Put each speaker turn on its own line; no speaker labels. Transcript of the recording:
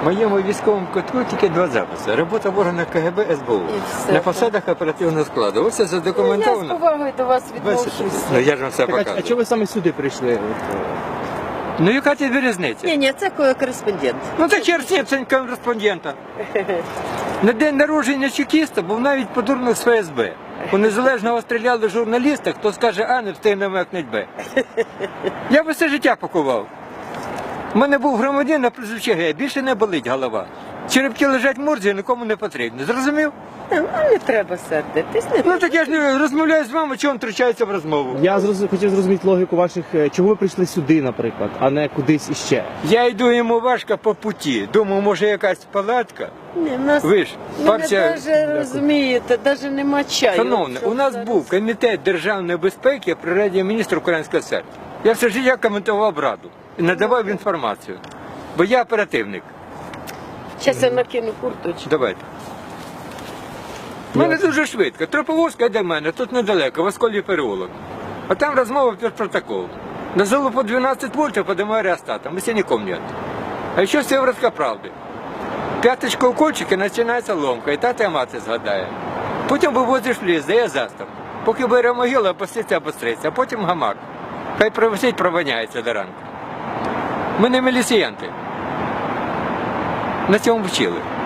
В моєму військовому кутку тільки 2 записи. Робота в органах КГБ, СБУ.
все,
На посадах оперативного складу. Ось це
Я з
задокументовано.
повагою до вас
Бачите?
відношусь.
Ну я ж вам все
Так, а
показую.
чого ви саме сюди прийшли?
Ну яка тобі різниця?
Ні, це кореспондент.
Ну так черт, це кореспондента. На день народження чекіста був навіть подурник з ФСБ. У незалежного стріляли журналіста, хто скаже А, не встигне мекнуть Б. Я би все життя пакував. У мене був громадянин на прізвище Г, більше не болить голова. Черепки лежать в морзі, нікому не потрібно. Зрозумів?
Не треба сердитись.
Ну так я ж не розмовляю з вами, чого він втручається в розмову.
Я хотів зрозуміти логіку ваших, чого ви прийшли сюди, наприклад, а не кудись іще.
Я йду йому важко по путі. Думаю, може якась палатка.
Ні, нас,
Ви ж, партія...
навіть розумієте, навіть нема чаю.
Шановне,
Що
у нас
зараз?
був комітет державної безпеки при Раді міністрів Української СР. Я все життя коментував Раду і надавав інформацію. Бо я оперативник.
Щас я накину курточку.
Давайте. У мене дуже швидко. Троповозка йде до мене, тут недалеко, в Осколі переулок. А там розмова про протокол. На залу по 12 вольтов поднимаю реостатом, если не помнят. А ще сиворотка правди. П'яточка укольчики, починається ломка, і тата і мати згадає. Потім вивозиш в ліс, дає застав. Поки бере могилу, опуститься, обостриться, а потім гамак. Хай провисить, провоняється до ранку. Ми не міліціянти. На цьому вчили.